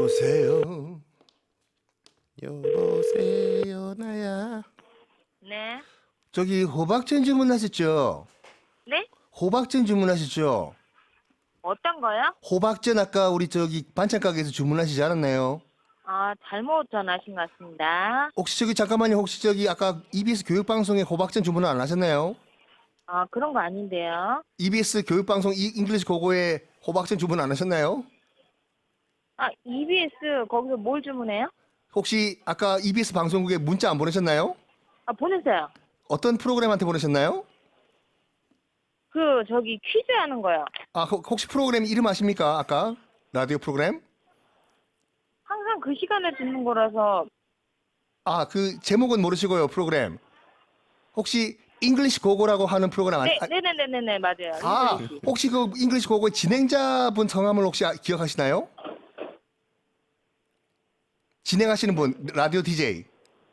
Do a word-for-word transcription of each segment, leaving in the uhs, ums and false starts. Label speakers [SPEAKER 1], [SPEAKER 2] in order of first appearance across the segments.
[SPEAKER 1] 여보세요. 여보세요 나야.
[SPEAKER 2] 네.
[SPEAKER 1] 저기 호박전 주문하셨죠?
[SPEAKER 2] 네?
[SPEAKER 1] 호박전 주문하셨죠?
[SPEAKER 2] 어떤 거요?
[SPEAKER 1] 호박전 아까 우리 저기 반찬 가게에서 주문하시지 않았나요?
[SPEAKER 2] 아, 잘못 전화하신 것 같습니다.
[SPEAKER 1] 혹시 저기 잠깐만요. 혹시 저기 아까 이비에스 교육방송에 호박전 주문 안 하셨나요?
[SPEAKER 2] 아, 그런 거 아닌데요.
[SPEAKER 1] 이비에스 교육방송 이 잉글리시 고고에 호박전 주문 안 하셨나요?
[SPEAKER 2] 아, 이비에스 거기서 뭘 주문해요?
[SPEAKER 1] 혹시 아까 이비에스 방송국에 문자 안 보내셨나요?
[SPEAKER 2] 아, 보내세요.
[SPEAKER 1] 어떤 프로그램한테 보내셨나요?
[SPEAKER 2] 그 저기 퀴즈 하는 거요.
[SPEAKER 1] 아 혹- 혹시 프로그램 이름 아십니까? 아까 라디오 프로그램?
[SPEAKER 2] 항상 그 시간에 듣는 거라서.
[SPEAKER 1] 아 그 제목은 모르시고요. 프로그램 혹시 잉글리시 고고라고 하는 프로그램 아니?
[SPEAKER 2] 네, 네네네네네, 맞아요.
[SPEAKER 1] 아
[SPEAKER 2] 잉글리시.
[SPEAKER 1] 혹시 그 잉글리시 고고의 진행자분 성함을 혹시 아- 기억하시나요? 진행하시는 분 라디오 디제이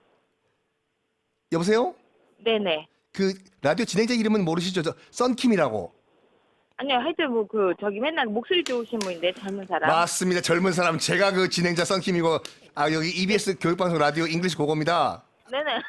[SPEAKER 1] 여보세요?
[SPEAKER 2] 네네.
[SPEAKER 1] 그 라디오 진행자 이름은 모르시죠? 저 썬킴이라고.
[SPEAKER 2] 아니요, 하여튼 뭐 그 저기 맨날 목소리 좋으신 분인데 젊은 사람.
[SPEAKER 1] 맞습니다. 젊은 사람 제가 그 진행자 썬킴이고 아 여기 이비에스 교육방송 라디오 잉글리시 고고입니다.
[SPEAKER 2] 네네.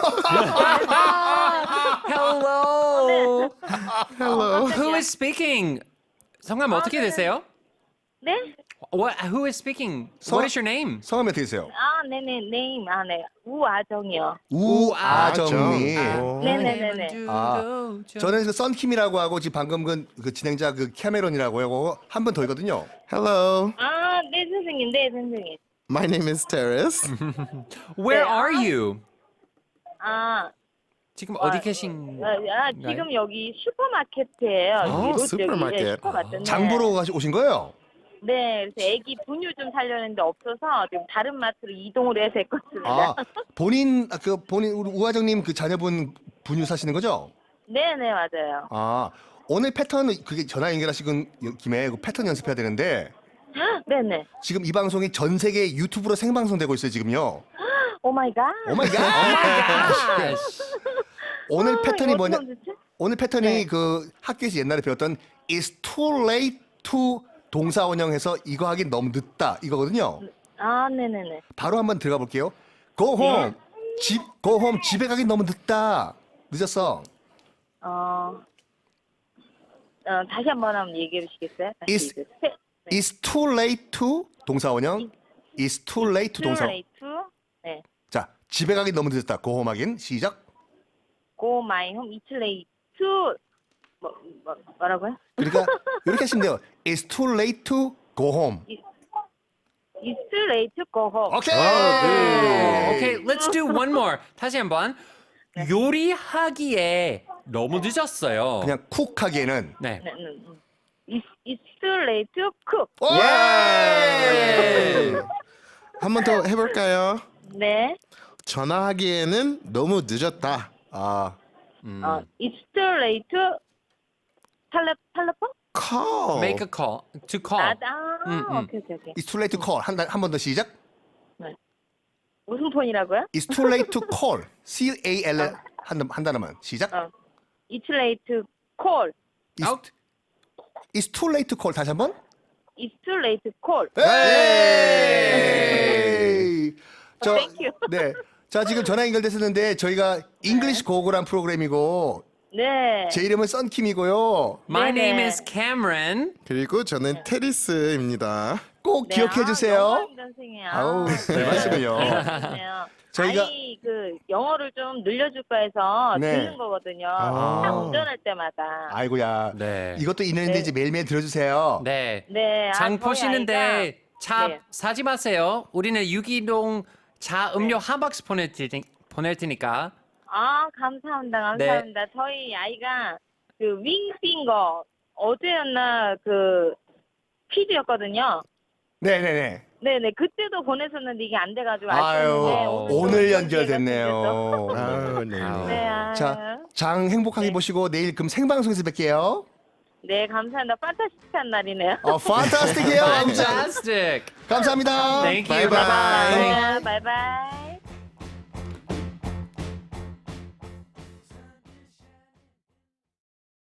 [SPEAKER 3] Hello.
[SPEAKER 1] Hello.
[SPEAKER 3] Who is speaking? 성함 어떻게
[SPEAKER 2] 네.
[SPEAKER 3] 되세요?
[SPEAKER 2] 네?
[SPEAKER 3] What? Who is speaking?
[SPEAKER 1] 성-
[SPEAKER 3] What is your name?
[SPEAKER 1] 성함이 어떻게 되세요?
[SPEAKER 2] 아, 네네, 네임. 아, 네. 우아정이요.
[SPEAKER 1] 우아정님.
[SPEAKER 2] 네네네네.
[SPEAKER 1] 아, 저는 그 썬킴이라고 하고 지금 방금 그, 그 진행자 그 캐메론이라고 하고 한 분 더 있거든요.
[SPEAKER 4] Hello,
[SPEAKER 2] 아, 네, 선생님. 네, 선생님.
[SPEAKER 4] my name is Terrace.
[SPEAKER 3] Where
[SPEAKER 2] 네.
[SPEAKER 3] are you?
[SPEAKER 2] 아,
[SPEAKER 3] 지금
[SPEAKER 2] 와,
[SPEAKER 3] 어디 계신?
[SPEAKER 2] 아, 아, 지금 여기 슈퍼마켓이에요.
[SPEAKER 4] 어,
[SPEAKER 2] 여기 롯데
[SPEAKER 4] 슈퍼마켓.
[SPEAKER 2] 여기, 예, 슈퍼마켓.
[SPEAKER 1] 장 보러 가시- 오신 거예요?
[SPEAKER 2] 네, 그래서 애기 분유 좀 살려는데 없어서 지금 다른 마트로 이동을 해서 했거든요.
[SPEAKER 1] 아, 본인 아, 그 본인 우리 우아정님 그 자녀분 분유 사시는 거죠?
[SPEAKER 2] 네, 네, 맞아요.
[SPEAKER 1] 아, 오늘 패턴 그게 전화 연결하시는 김에 그 패턴 연습해야 되는데
[SPEAKER 2] 네, 네.
[SPEAKER 1] 지금 이 방송이 전 세계 유튜브로 생방송되고 있어요, 지금요.
[SPEAKER 2] 오 마이 갓.
[SPEAKER 1] 오 마이 갓. 오늘
[SPEAKER 2] 아,
[SPEAKER 1] 패턴이
[SPEAKER 2] 이거
[SPEAKER 1] 뭐냐?
[SPEAKER 2] 어떻게 하면 좋지?
[SPEAKER 1] 오늘 패턴이
[SPEAKER 2] 네.
[SPEAKER 1] 그 학교에서 옛날에 배웠던 It's too late to 동사 원형해서 이거 하긴 너무 늦다 이거거든요.
[SPEAKER 2] 아, 네, 네, 네.
[SPEAKER 1] 바로 한번 들어가 볼게요. Go home. 집 Go home. 집에 가긴 너무 늦다. 늦었어.
[SPEAKER 2] 어, 어 다시 한번 한번 얘기해 주시겠어요? 다시
[SPEAKER 1] It's-
[SPEAKER 2] 이제 세- 네.
[SPEAKER 1] It's too late to 동사 원형. It's too late to 동사.
[SPEAKER 2] Too late to, 네.
[SPEAKER 1] 자, 집에 가긴 너무 늦었다. Go home 하긴 시작.
[SPEAKER 2] Go my home. It's late to 뭐, 뭐 뭐라고요?
[SPEAKER 1] 그러니까 이렇게 하시면 돼요. It's too late to go home.
[SPEAKER 2] It's too late to go home.
[SPEAKER 1] 오케이.
[SPEAKER 3] Okay, let's do one more. 다시 한번. 요리하기에 너무 늦었어요.
[SPEAKER 1] 그냥 쿡 하기에는
[SPEAKER 3] 네.
[SPEAKER 2] 네, 네, 네. It's, it's too late to cook.
[SPEAKER 4] 예! 한 번 더 해볼까요?
[SPEAKER 2] 네.
[SPEAKER 4] 전화하기에는 너무 늦었다.
[SPEAKER 1] 아,
[SPEAKER 2] 어, it's too late to 텔레 텔레폰?
[SPEAKER 4] Call.
[SPEAKER 3] Make a call. To call.
[SPEAKER 2] 아, 아
[SPEAKER 3] 음, 음.
[SPEAKER 2] 오케이 오케이 오케이.
[SPEAKER 1] It's too late to call. 한 번 더 시작.
[SPEAKER 2] 무슨 폰이라고요?
[SPEAKER 1] It's too late to call. C A L 한, 한 단어만 시작.
[SPEAKER 2] 어. It's late to call.
[SPEAKER 1] It's,
[SPEAKER 3] Out.
[SPEAKER 1] it's too late to call. 다시 한 번.
[SPEAKER 2] It's too late to call.
[SPEAKER 1] 에이! 저,
[SPEAKER 2] Thank you.
[SPEAKER 1] 네. 자, 지금 전화 연결됐었는데 저희가 잉글리시 고고란 프로그램이고
[SPEAKER 2] 네.
[SPEAKER 1] 제 이름은 썬킴이고요.
[SPEAKER 3] My
[SPEAKER 2] 네네.
[SPEAKER 3] name is Cameron.
[SPEAKER 4] 그리고 저는 테리스입니다.
[SPEAKER 1] 꼭
[SPEAKER 2] 네,
[SPEAKER 1] 기억해
[SPEAKER 2] 아,
[SPEAKER 1] 주세요.
[SPEAKER 2] 영광입니다, 선생님.
[SPEAKER 1] 아우, 별 말씀을요.
[SPEAKER 2] 네.
[SPEAKER 1] 저희가-
[SPEAKER 2] 아이 그 영어를 좀 늘려줄까 해서
[SPEAKER 1] 네.
[SPEAKER 2] 듣는 거거든요.
[SPEAKER 1] 아.
[SPEAKER 2] 차 운전할 때마다.
[SPEAKER 1] 아이고야.
[SPEAKER 3] 네.
[SPEAKER 1] 이것도 있는데
[SPEAKER 2] 네.
[SPEAKER 1] 이제 매일매일 들어주세요.
[SPEAKER 3] 네.
[SPEAKER 2] 네. 아,
[SPEAKER 3] 장
[SPEAKER 2] 저희
[SPEAKER 3] 보시는데
[SPEAKER 2] 아이가-
[SPEAKER 3] 차
[SPEAKER 2] 네.
[SPEAKER 3] 사지 마세요. 우리는 유기농 차 음료 한 박스 보낼, 테니, 보낼 테니까.
[SPEAKER 2] 아, 감사합니다.
[SPEAKER 3] 네.
[SPEAKER 2] 감사합니다. 저희 아이가 그 윙핑거 어제였나 그 퀴즈였거든요.
[SPEAKER 1] 네네네.
[SPEAKER 2] 네네. 그때도 보냈었는데 이게 안 돼가지고
[SPEAKER 1] 아유,
[SPEAKER 2] 아쉬웠는데
[SPEAKER 1] 오늘
[SPEAKER 2] 또
[SPEAKER 1] 연결됐네요.
[SPEAKER 4] 아우, 네.
[SPEAKER 3] 아우.
[SPEAKER 2] 네, 아유.
[SPEAKER 1] 자, 장 행복하게
[SPEAKER 2] 네.
[SPEAKER 1] 보시고 내일 그럼 생방송에서 뵐게요.
[SPEAKER 2] 네, 감사합니다. 판타스틱한 날이네요.
[SPEAKER 1] 어, 판타스틱해요.
[SPEAKER 3] Fantastic.
[SPEAKER 1] 감사합니다.
[SPEAKER 3] Thank you.
[SPEAKER 4] Bye-bye.
[SPEAKER 3] Bye-bye.
[SPEAKER 2] 네, 바이바이.